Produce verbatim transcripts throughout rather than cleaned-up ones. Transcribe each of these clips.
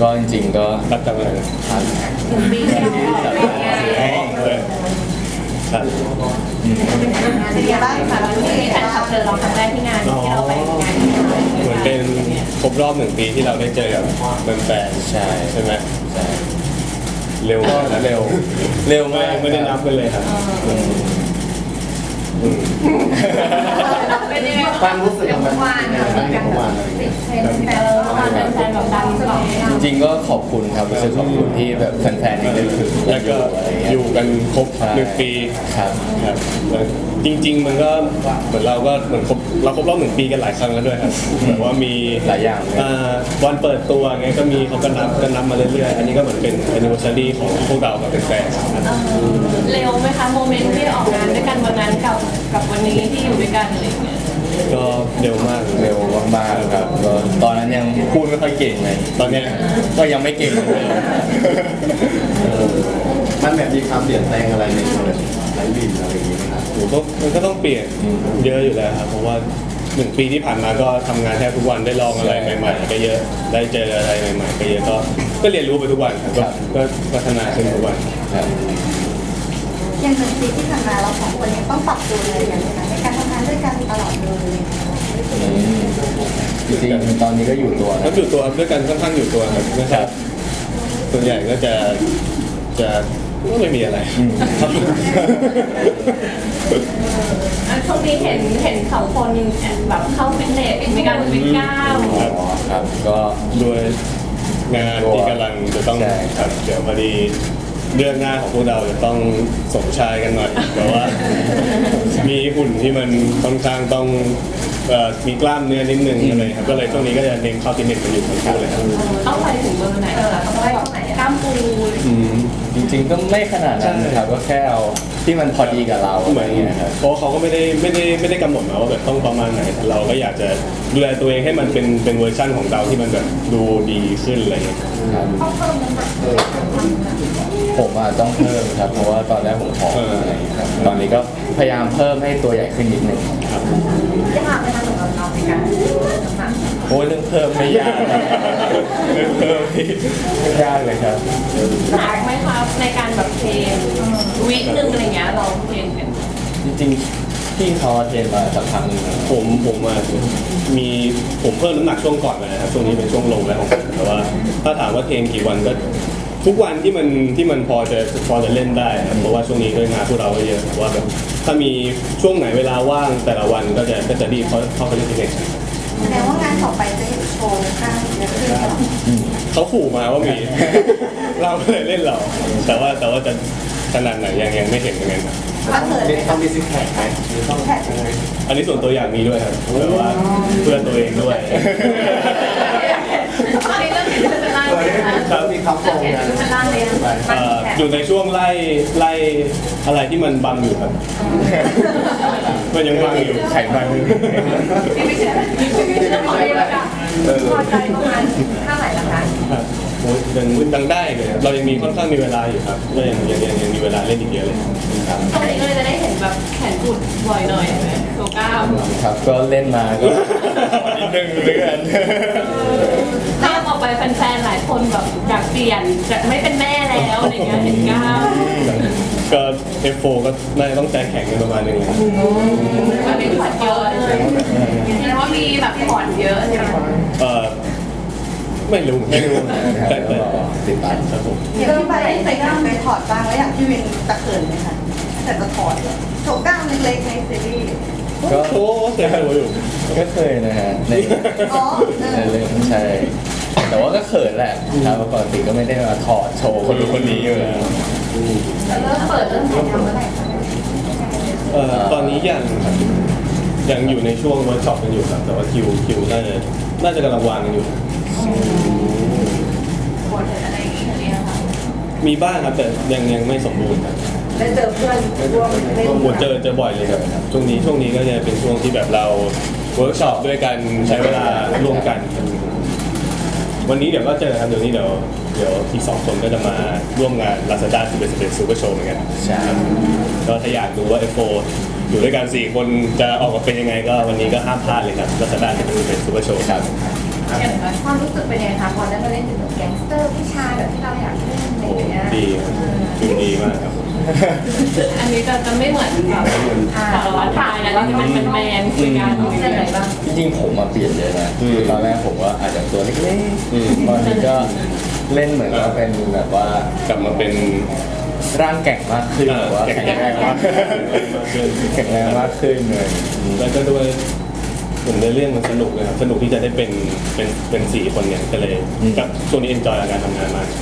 ก็จริงๆก็รับจำอะไรนะหนึ่งปีที่เราออกงานครับเป็นยังไงบ้างคะที่แฟนคลับเจอเราครั้งแรกที่งานที่เราไปงานเหมือนเป็นครบรอบหนึ่งปีที่เราได้เจอกับแฟนๆใช่ใช่ไหมใช่เร็วก็เร็วเร็วมากไม่ได้นับกันเลยครับเป็นยังไงความรู้สึกของมันวันกันแบบติดเทรนด์แฟนเราเป็นแฟนแบบดังตลอดจริงๆก็ขอบคุณครับรู้สึกขอบคุณที่แบบแฟนๆยังนึกถึงแล้วก็อยู่กันครบหนึ่งปีครับครับจริงๆมันก็เหมือนเราก็เหมือนครบเราครบรอบหนึ่งปีกันหลายครั้งแล้วด้วยครับแบบว่ามีหลายอย่างวันเปิดตัวไงก็มีเขาก็นับก็นับมาเรื่อยๆอันนี้ก็เหมือนเป็น anniversary ของพวกเรากับแฟนๆเร็วไหมคะโมเมนต์ที่ออกงานด้วยกันวันนั้นกับกับวันนี้ที่อยู่ด้วยกันอะไรอย่างเงี้ยก็เร็วมากเร็วมากๆครับก็ตอนนั้นยังพูดไม่ค่อยเก่งเลยตอนนี้ก็ยังไม่เก่งเลยมันแบบมีความเปลี่ยนแปลงอะไรในตัวไลฟ์บินอะไรอย่างเงี้ยครับผมก็มันก็ต้องเปลี่ยนเยอะอยู่แล้วครับเพราะว่าหนึ่งปีที่ผ่านมาก็ทำงานแทบทุกวันได้ลองอะไรใหม่ๆก็เยอะได้เจออะไรใหม่ๆก็เยอะก็ก็เรียนรู้ไปทุกวันครับก็พัฒนาขึ้นทุกวันอย่างหนึ่งปีที่ผ่านมาเราสองคนยังต้องปรับตัวเลยอย่างไรในการทำงานด้วยกันตลอดเลยจริงๆตอนนี้ก็อยู่ตัวก็อยู่ตัวด้วยกันค่อนข้างอยู่ตัวครับนะครับส่วนใหญ่ก็จะจะก็ไม่มีอะไรช่วงนี้เห็นเห็นสองคนแบบเข้าฟิตเนสมีการวิ่งก้าวครับก็ด้วยงานที่กำลังจะต้องครับเดี๋ยวพอดีเรื่องหน้าของพวกเราจะต้องสมชายกันหน่อยเพราะว่ามีหุ่นที่มันค่อนข้างต้องมีกล้ามเนื้อนิดนึงอะไรครับก็เลยช่วงนี้ก็จะเน้นเข้าฟิตเนสกันอยู่ทั้งคู่เลยครับเอาไปถึงเบอร์ไหนคะเอาไปตรงไหนกล้ามปูจริงๆก็ไม่ขนาดนั้นนะครับก็แค่เอาที่มันพอดีกับเราเหมือนเพราะเขาก็ไม่ได้ไม่ได้ไม่ได้กำหนดมาว่าแบบต้องประมาณไหนเราก็อยากจะดูแลตัวเองให้มันเป็นเป็นเวอร์ชั่นของเราที่มันแบบดูดีขึ้นอะไรอย่างเงี้ยผมอ่ะต้องเพิ่มครับเพราะว่าตอนแรกผมผอมอะไรครับตอนนี้ก็พยายามเพิ่มให้ตัวใหญ่ขึ้นนิดนึงครับยากไหมคะสำหรับเราในการน้ำหนักโอ้เรื่องเพิ่มไม่ยากเรื่องเพิ่มไม่ยากเลยครับหนักไหมครับในการแบบเทรนวิคนึงอะไรเงี้ยเราเทรนกันจริงๆที่เขาเทรนมาสักครั้งนึงผมผมมามีผมเพิ่มน้ำหนักช่วงก่อนเลยนะครับช่วงนี้เป็นช่วงลงแล้วของผมแต่ว่าถ้าถามว่าเทรนกี่วันก็ทุกวันที่มันที่มันพอจะพอจะเล่นได้ครับเพราะว่าช่วงนี้ก็งานพวกเราเยอะว่าแบบถ้ามีช่วงไหนเวลาว่างแต่ละวันก็จะก็จะรีบเขาเข้าไปเล่นฟิตเนสแสดงว่างานต่อไปจะเห็นโชว์ข้างเยอะขึ้นหรอเขาขู่มาว่ามีเราก็เลยเล่นเราแต่ว่าแต่ว่าจะขนาดไหนยังยังไม่เห็นเหมือนกันครับต้องมีซิกแพคไหมต้องแพคอะไรอันนี้ส่วนตัวอยากมีด้วยครับแต่ว่าเพื่อนตัวเองด้วยครับมีคำโปรยอยู่ในช่วงไล่ไล่อะไรที่มันบังอยู่ครับมันยังบังอยู่ไข่บังอยู่ไม่ใช่ไม่ใช่ขอเรียกค่ะพอใจประมาณเท่าไหร่ละคะยังยังได้เลยเรายังมีค่อนข้างมีเวลาอยู่ครับก็ยังยังยังมีเวลาเล่นอีกเยอะเลยครับตอนนี้ก็เลยจะได้เห็นแบบแขนกุดบ่อยหน่อยโซก้าครับก็เล่นมาก็นิดนึงเหมือนกันถ้าออกไปแฟนๆหลายคนแบบอยากเปลี่ยนจากไม่เป็นแม่แล้วอะไรเงี้ยเห็นก้าวก็ เอฟ โฟร์ ก็น่าจะต้องใจแข็งกันประมาณนึงมันมีผ่อนเยอะแสดงว่ามีแบบผ่อนเยอะใช่ไหมเออไม่รู้ไม่รู้แต่ติดตามครับผมที่ไปใส่กล้ามไปถอดบ้างแล้วอยากพี่วินตะเขินไหมคะแต่จะถอดโชว์กล้ามเล็กๆในซีรีส์ก็โอ้เคยดูอยู่ก็เคยนะฮะในในเรื่องใช่แต่ว่าก็เขินแหละครับปกติก็ไม่ได้มาถอดโชว์คนดูคนนี้อยู่แล้วเริ่มเปิดเริ่มถ่ายทำเมื่อไหร่คะเอ่อตอนนี้ยังยังอยู่ในช่วงเวิร์กช็อปกันอยู่ครับแต่ว่าคิวคิวน่าจะน่าจะกำลังวางกันอยู่มีบ้างครับแต่ยังยังไม่สมบูรณ์ครับได้เจอเพื่อนร่วมเล่นผมเจอเจอบ่อยเลยครับช่วงนี้ช่วงนี้ก็จะเป็นช่วงที่แบบเราเวิร์กช็อปด้วยกันใช้เวลาร่วมกันวันนี้เดี๋ยวก็เจอครับเดี๋ยวนี้เดี๋ยวเดี๋ยวอีกสองคนก็จะมาร่วมงาน Lazada สิบเอ็ด สิบเอ็ด Super Show เหมือนกันใช่ก็ถ้าอยากดูว่า เอฟ โฟร์ อยู่ด้วยกันสี่คนจะออกมาเป็นยังไงก็วันนี้ก็ห้ามพลาดเลยครับ Lazada สิบเอ็ด สิบเอ็ด Super Show ครับความรู้สึกเป็นยังไงคะพอได้มาเล่นเป็นแบบแก๊งสเตอร์ผู้ชายแบบที่เราอยากเล่นอะไรโอ้อย่างเงี้ยดีครับดูดีมากครับอันนี้จะจะไม่เหมือนแบบสารวัตรชายนะที่มันเป็นแมนคุยกันเล่นอะไรบ้างจริงๆผมมาเปลี่ยนเยอะนะอืมตอนแรกผมว่าอาจจะตัวเล็กอืมๆตอนนี้ก็เล่นเหมือนว่าเป็นแบบว่ากลับมาเป็นร่างแกร่งมากขึ้นอ่าหรือว่าแข็งแรงมากขึ้นแข็งแรงมากขึ้นเลยแล้วก็ด้วยเหมือนในเรื่องมันสนุกนะครับสนุกที่จะได้เป็นเป็นเป็นสี่คนเนี่ยก็เลยกับช่วงนี้เอนจอยกับการทำงานมาก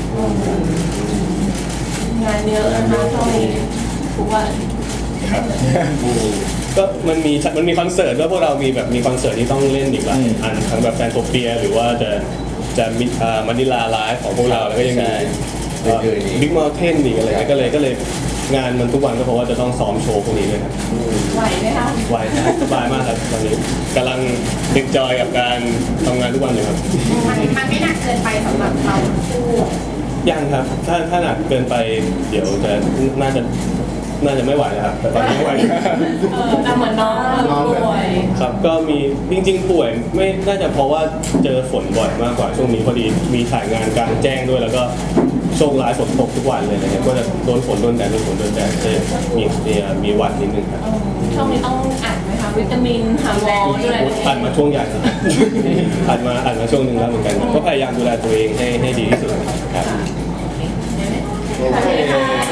งานเยอะนะคะช่วงนี้ทุกวันครับก็มันมีมันมีคอนเสิร์ตด้วยพวกเรามีแบบมีคอนเสิร์ตที่ต้องเล่นอีกหลายอันทั้งแบบแฟนโทเปียหรือว่าจะจะมิอ่ามานิลาไลฟ์ของพวกเราแล้วก็ยังมีอื่นๆอีกบิ๊กมอลเทนอีกอะไรเงี้ยก็เลยก็เลยงานมันทุกวันก็เพราะว่าจะต้องซ้อมโชว์พวกนี้ด้วยครับไหวไหมคะไวนะสบายมากครับตอนนี้กำลังเอนจอยกับการทำงานทุกวันอยู่ครับมันมันไม่หนักเกินไปสำหรับเราทั้งคู่ยังครับ ถ้าถ้าหนักเกินไปเดี๋ยวจะน่าจะน่าจะไม่ไหวแล้วครับแต่ตอนนี้ไม่ไหวเออแต่เหมือนน้องป่วยครับก็มีจริงๆป่วยไม่น่าจะเพราะว่าเจอฝนบ่อยมากกว่าช่วงนี้พอดีมีถ่ายงานกลางแจ้งด้วยแล้วก็โชคร้ายฝนตกทุกวันเลยนะครับก็จะโดนฝนโดนแดดโดนฝนโดนแดดจะมีมีมีหวัดนิดนึงครับช่วงนี้ต้องอ่านไหมคะวิตามินหาหมอด้วยผ่านมาช่วงใหญ่แล้วผ่านมาอ่านมาช่วงหนึ่งแล้วเหมือนกันก็พยายามดูแลตัวเองให้ให้ดีที่สุดครับโอเคค่ะ